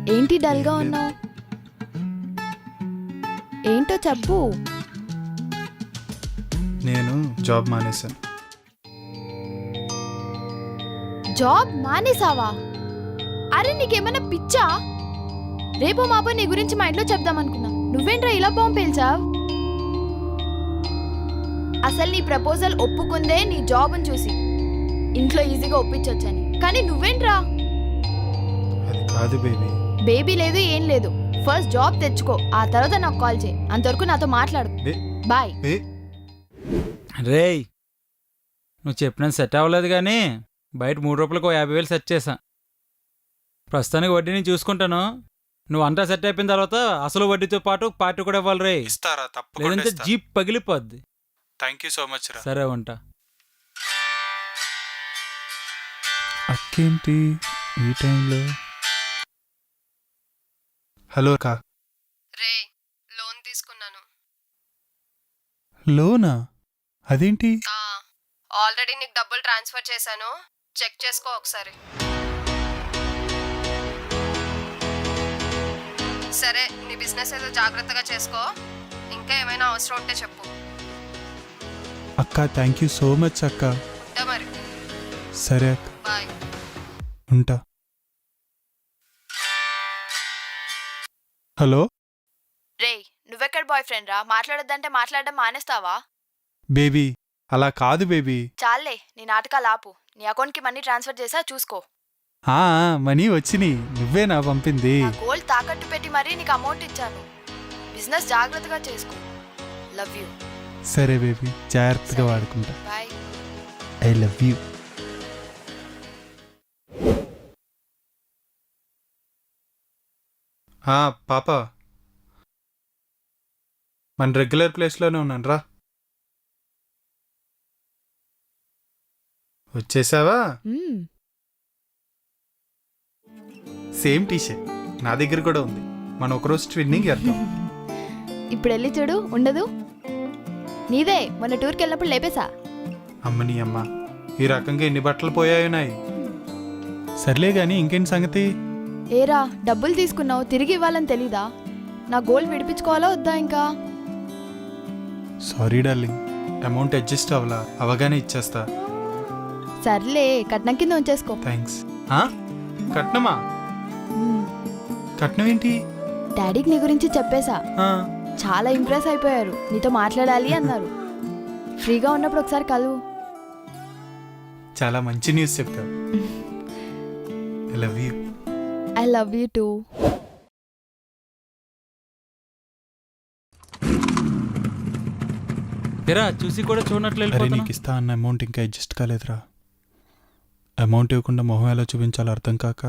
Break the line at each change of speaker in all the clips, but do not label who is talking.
ఏంటి డల్గా ఉన్నావు? ఏంటో చెప్పు.
నేను జాబ్ మానేశాను.
జాబ్ మానేసావా? అరే నీకేమైనా పిచ్చా? రేపు మాపో నీ గురించి మా ఇంట్లో చెప్దామనుకున్నా. నువ్వేంట్రా ఇలా బాంబు పేల్చావు? అసలు నీ ప్రపోజల్ ఒప్పుకుందే నీ జాబ్ని చూసి. ఇంట్లో ఈజీగా ఒప్పించొచ్చని. కానీ నువ్వేంట్రా?
అది కాదు బేబీ.
బేబీ లేదు ఏం లేదు. ఫస్ట్ జాబ్ తెచ్చుకో, ఆ తర్వాత నాకు కాల్ చేయి. అంతవరకు నాతో మాట్లాడు. బాయ్.
రేయ్, నువ్వు చెప్పినంత సెట్ అవ్వలేదు కానీ బయట 3 రూపాయలకు 50,000 సెట్ చేశా. ప్రస్తుతానికి వడ్డీని చూసుకుంటాను. నువ్వు అంతా సెట్ అయిపోయిన తర్వాత అసలు వడ్డీతో పాటు పార్టీ కూడా ఇవ్వాలి రే.
ఇస్తారా?
లేదంటే జీప్ పగిలిపోద్ది.
థ్యాంక్ యూ సో మచ్ రా.
సరే ఉంటా.
అక్కేంటి ఈ టైంలో? హలో అక్క.
రే, లోన్ తీసుకున్నాను.
లోనా? అదేంటి?
ఆల్రెడీ నీకు డబ్బులు ట్రాన్స్ఫర్ చేశాను, చెక్ చేసుకో ఒకసారి. సరే, నీ బిజినెస్ ఏదో జాగ్రత్తగా చేసుకో. ఇంకా ఏమైనా అవసరం ఉంటే చెప్పు.
అక్క థ్యాంక్ యూ సో మచ్ అక్క.
ఉంటా మరి.
సరే అక్క,
బాయ్.
ఉంటా. హలో
రే, నువ్వెక్కడ బాయ్ ఫ్రెండ్ రా? మాట్లాడొద్దంటే మాట్లాడడం మానేస్తావా?
బేబీ, అలా కాదు బేబీ.
చాలే నీ నాటకాలు ఆపు. నీ అకౌంట్కి మనీ ట్రాన్స్ఫర్ చేసా, చూసుకో.
మనీ వచ్చినాయి. నువ్వేనా పంపింది?
నా గోల్డ్ తాకట్టు పెట్టి మరీ నీకు అమౌంట్ ఇచ్చాను. బిజినెస్ జాగ్రత్తగా చేసుకో. Love you.
సరే బేబీ, జాగ్రత్తగా వాడుకుంటా.
బాయ్.
I love you. పాప, మన రెగ్యులర్ ప్లేస్లోనే ఉన్నాను రా. వచ్చేసావా? సేమ్ టీషర్ట్ నా దగ్గర కూడా ఉంది. మనం ఒకరోజు ట్విన్నింగ్ చేద్దాం.
ఇప్పుడు వెళ్ళి చూడు, ఉండదు. నీదే, మొన్న టూర్కి వెళ్ళినప్పుడు లేపేశా.
అమ్మని అమ్మ, ఈ రకంగా ఎన్ని బట్టలు పోయాయున్నాయి. సర్లే గాని ఇంకేంటి సంగతి?
ఏరా, డబ్బులు తీసుకున్నావు, తిరిగి ఇవ్వాలని తెలీదా? నా గోల్డ్ విడిపించుకోవాలా వద్దా? ఇంకా
సారీ డార్లింగ్, అమౌంట్ అడ్జస్ట్ అవ్వలా. అవగానే ఇచ్చేస్తా.
సర్లే, కట్నం కింద ఉంచేసుకో.
థ్యాంక్స్. కట్నమా? కట్నం ఏంటి?
డాడీకి నీ గురించి చెప్పేశా. చాలా ఇంప్రెస్ అయిపోయారు. నీతో మాట్లాడాలి అన్నారు. ఫ్రీగా ఉన్నప్పుడు ఒకసారి కలువు.
చాలా మంచి న్యూస్ చెప్తావు. I love you.
I love you too.
తెరా చూసి కూడా చూడనట్లు
అరే,
వెళ్ళిపోతున్నా.
నీకు ఇస్తా అన్న అమౌంట్ ఇంకా అడ్జస్ట్ కాలేదురా. అమౌంట్ ఇవ్వకుండా మొహం ఎలా చూపించాలో అర్థం కాక.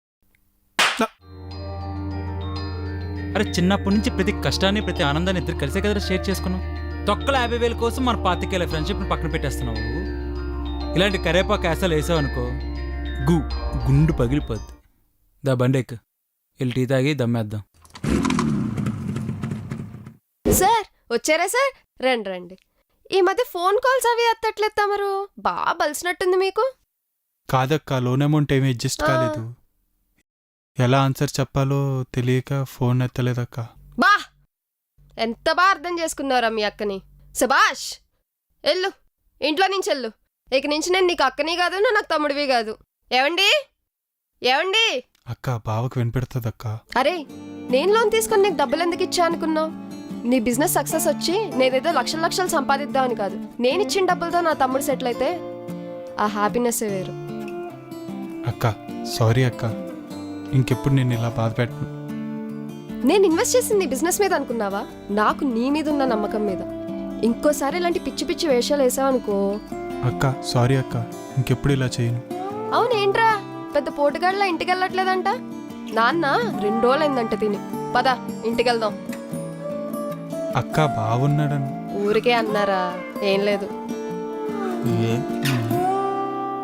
అరే, చిన్నప్పటి నుంచి ప్రతి కష్టాన్ని ప్రతి ఆనందాన్ని ఇద్దరు కలిసే కదా షేర్ చేసుకున్నాం. తొక్కల 50,000 కోసం మన 25,000 ఫ్రెండ్షిప్ని పక్కన పెట్టేస్తున్నావు నువ్వు. ఇలాంటి కరేపాకు యాసలు వేసావు అనుకో, గుండు పగిలిపోద్ది. దా బండెక్, వెళ్ళి టీ తాగి దమ్మేద్దాం.
సార్ వచ్చారా సార్? రండి రండి. ఈ మధ్య ఫోన్ కాల్స్ అవి ఎత్తట్లేదు తమరు. బాగా బలిసినట్టుంది మీకు.
కాదక్క, లోన్ అమౌంట్ ఏమీ అడ్జస్ట్ కాలేదు. ఎలా ఆన్సర్ చెప్పాలో తెలియక ఫోన్ ఎత్తలేదక్క.
బా, ఎంత బాగా అర్థం చేసుకున్నారా మీ అక్కని. సుభాష్, వెళ్ళు, ఇంట్లో నుంచి వెళ్ళు. ఇక నుంచి నేను నీకు అక్కని కాదు, నువ్వు నాకు తమ్ముడివి కాదు. ఏవండి ఏవండి?
అక్క, బావకు వినిపెడుతుందక్క.
అరే, నేను లోన్ తీసుకొని నీకు డబ్బులు ఎందుకు ఇచ్చా అనుకున్నావు? నీ బిజినెస్ సక్సెస్ వచ్చి నేనేదో లక్షలు లక్షలు సంపాదిద్దామని కాదు. నేను ఇచ్చిన డబ్బులతో నా తమ్ముడు సెటిల్ అయితే ఆ హ్యాపీనెస్ వేరు.
అక్క సారీ అక్క, ఇంకెప్పుడు నేను ఇలా బాధ పెట్టను.
నేను ఇన్వెస్ట్ చేసింది బిజినెస్ మీద అనుకున్నావా? నాకు నీ మీద ఉన్న నమ్మకం మీద. ఇంకోసారి ఇలాంటి పిచ్చి పిచ్చి వేషాలు వేసావనుకో.
అక్క సారీ అక్క, ఇంకెప్పుడు ఇలా చేయను.
అవునేంట్రా, పెద్ద పోటుగాళ్ళ ఇంటికి వెళ్ళట్లేదంట? నాన్న 2 రోజులైందంట తిని. పద ఇంటికెళ్దాం.
అక్క బాగున్నాడని.
ఊరికే అన్నారా? ఏం లేదు.